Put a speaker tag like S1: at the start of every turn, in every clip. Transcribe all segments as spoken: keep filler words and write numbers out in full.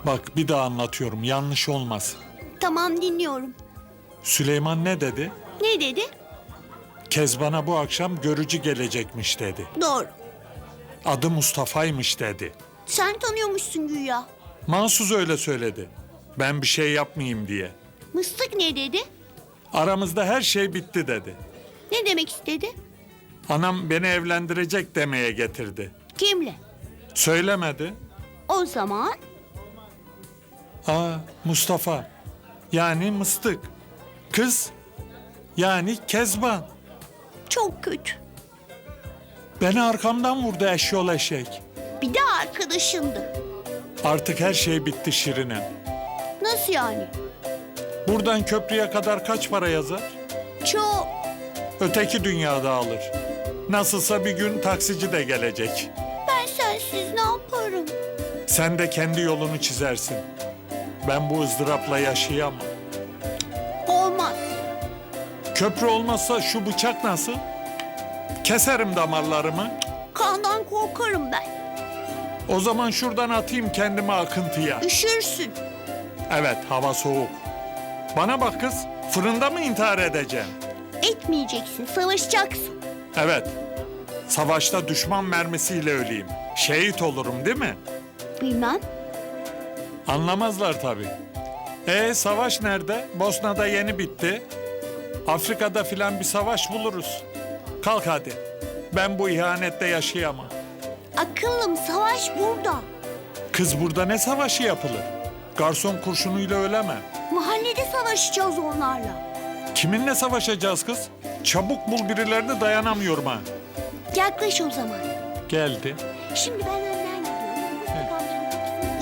S1: Bak bir daha anlatıyorum, yanlış olmasın.
S2: Tamam, dinliyorum.
S1: Süleyman ne dedi?
S2: Ne dedi?
S1: Kezban'a bu akşam görücü gelecekmiş dedi.
S2: Doğru.
S1: Adı Mustafa'ymış dedi.
S2: Sen tanıyormuşsun güya.
S1: Mahsus öyle söyledi. Ben bir şey yapmayayım diye.
S2: Mıstık ne dedi?
S1: Aramızda her şey bitti dedi.
S2: Ne demek istedi?
S1: Anam beni evlendirecek demeye getirdi.
S2: Kimle?
S1: Söylemedi.
S2: O zaman
S1: Aa, Mustafa. Yani Mıstık. Kız. Yani Kezban.
S2: çok kötü.
S1: Beni arkamdan vurdu eşyol eşek.
S2: Bir de arkadaşındı.
S1: Artık her şey bitti Şirine.
S2: Nasıl yani?
S1: Buradan köprüye kadar kaç para yazar?
S2: Çok.
S1: Öteki dünyada alır. Nasılsa bir gün taksici de gelecek.
S2: Ben sensiz ne yaparım?
S1: Sen de kendi yolunu çizersin. Ben bu ızdırapla yaşayamam.
S2: Olmaz.
S1: Köprü olmazsa şu bıçak nasıl? Keserim damarlarımı.
S2: Kandan korkarım ben.
S1: O zaman şuradan atayım kendimi akıntıya.
S2: Üşürsün.
S1: Evet, hava soğuk. Bana bak kız, fırında mı intihar edeceğim?
S2: Etmeyeceksin, savaşacaksın.
S1: Evet, savaşta düşman mermisiyle öleyim. Şehit olurum değil mi?
S2: Bilmem.
S1: Anlamazlar tabii. E savaş nerede? Bosna'da yeni bitti. Afrika'da filan bir savaş buluruz. Kalk hadi. Ben bu ihanette yaşayamam.
S2: Akıllım, savaş burada.
S1: Kız burada ne savaşı yapılır? Garson kurşunuyla öleme.
S2: Mahallede savaşacağız onlarla.
S1: Kiminle savaşacağız kız? Çabuk bul birilerini, dayanamıyorum ha.
S2: Yaklaş o zaman.
S1: Geldi.
S2: Şimdi ben önden gidiyorum. Mustafa amcanın kapısını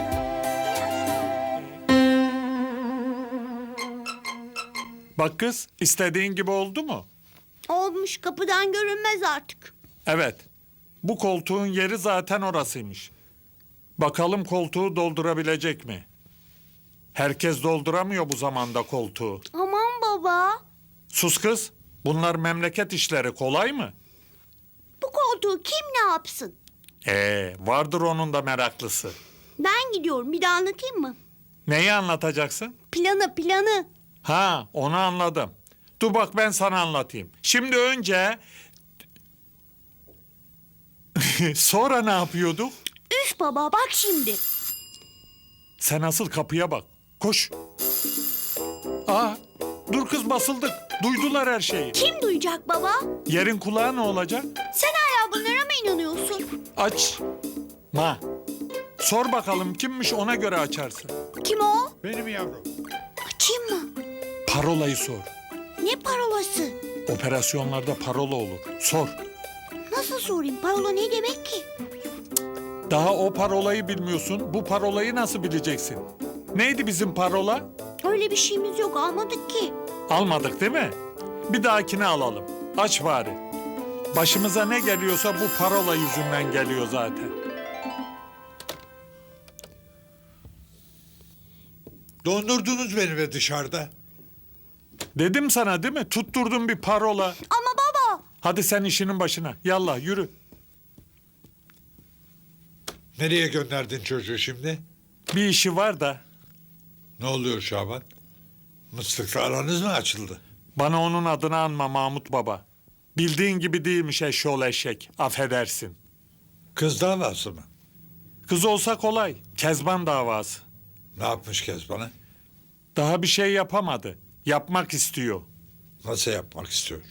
S2: çalıyorum.
S1: Bak kız, istediğin gibi oldu mu?
S2: Olmuş, kapıdan görünmez artık.
S1: Evet. Bu koltuğun yeri zaten orasıymış. Bakalım koltuğu doldurabilecek mi? Herkes dolduramıyor bu zamanda koltuğu.
S2: Aman baba.
S1: Sus kız. Bunlar memleket işleri, kolay mı?
S2: Bu koltuğu kim ne yapsın?
S1: Ee, vardır onun da meraklısı.
S2: Ben gidiyorum, bir daha anlatayım mı?
S1: Neyi anlatacaksın?
S2: Planı planı.
S1: Ha, onu anladım. Dur bak ben sana anlatayım. Şimdi önce... Sonra ne yapıyorduk?
S2: Üf baba, bak şimdi.
S1: Sen asıl kapıya bak. Koş. Aa, dur kız basıldık. Duydular her şeyi.
S2: Kim duyacak baba?
S1: Yerin kulağı ne olacak?
S2: Sen hala bunlara mı inanıyorsun?
S1: Aç. Ma. Sor bakalım kimmiş, ona göre açarsın.
S2: Kim o?
S1: Benim yavrum.
S2: Açayım mı?
S1: Parolayı sor.
S2: Ne parolası?
S1: Operasyonlarda parola olur. Sor.
S2: Nasıl sorayım? Parola ne demek ki?
S1: Daha o parolayı bilmiyorsun. Bu parolayı nasıl bileceksin? Neydi bizim parola?
S2: Öyle bir şeyimiz yok, almadık ki.
S1: Almadık değil mi? Bir dahakine alalım. Aç bari. Başımıza ne geliyorsa bu parola yüzünden geliyor zaten.
S3: Dondurdunuz beni be dışarıda.
S1: Dedim sana değil mi? Tutturdum bir parola.
S2: Ama baba.
S1: Hadi sen işinin başına. Yallah yürü.
S3: Nereye gönderdin çocuğu şimdi?
S1: Bir işi var da
S3: Ne oluyor Şaban? Mıstıkla aranız mı açıldı?
S1: bana onun adını anma Mahmut Baba. Bildiğin gibi değilmiş eşşoğlu eşek. Affedersin.
S3: Kız davası mı?
S1: Kız olsa kolay. Kezban davası.
S3: Ne yapmış Kezban'a?
S1: Daha bir şey yapamadı. Yapmak istiyor.
S3: Nasıl yapmak istiyor?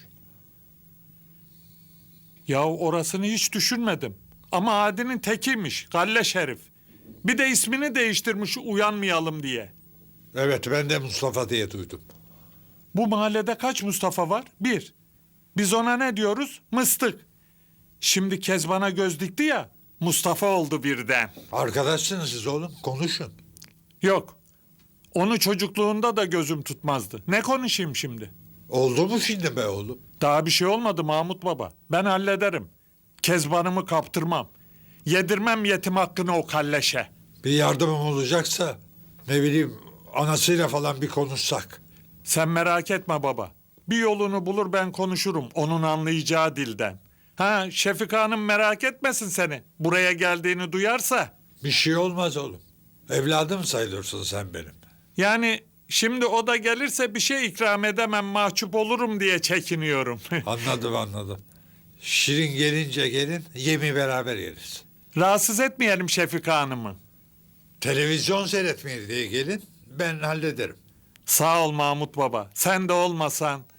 S1: Ya orasını hiç düşünmedim. Ama Adi'nin tekiymiş. Galle Şerif. Bir de ismini değiştirmiş uyanmayalım diye.
S3: Evet, ben de Mustafa diye duydum.
S1: Bu mahallede kaç Mustafa var? Bir. Biz ona ne diyoruz? Mıstık. Şimdi Kezban'a göz dikti ya, Mustafa oldu birden.
S3: Arkadaşsınız siz oğlum, konuşun.
S1: Yok. Onu çocukluğunda da gözüm tutmazdı. Ne konuşayım şimdi?
S3: Oldu mu şimdi be oğlum?
S1: Daha bir şey olmadı Mahmut Baba. Ben hallederim. Kezban'ımı kaptırmam. Yedirmem yetim hakkını o kalleşe.
S3: Bir yardımım olacaksa ne bileyim anasıyla falan bir konuşsak.
S1: Sen merak etme baba. Bir yolunu bulur ben konuşurum onun anlayacağı dilden. Ha Şefika Hanım merak etmesin seni. Buraya geldiğini duyarsa.
S3: Bir şey olmaz oğlum. Evladım sayılırsın sen benim.
S1: Yani şimdi o da gelirse bir şey ikram edemem, mahcup olurum diye çekiniyorum.
S3: Anladım anladım. Şirin gelince gelin, yemi beraber yeriz.
S1: Rahatsız etmeyelim Şefika Hanım'ı.
S3: Televizyon seyretmeye diye gelin, ben hallederim.
S1: Sağ ol Mahmut Baba. Sen de olmasan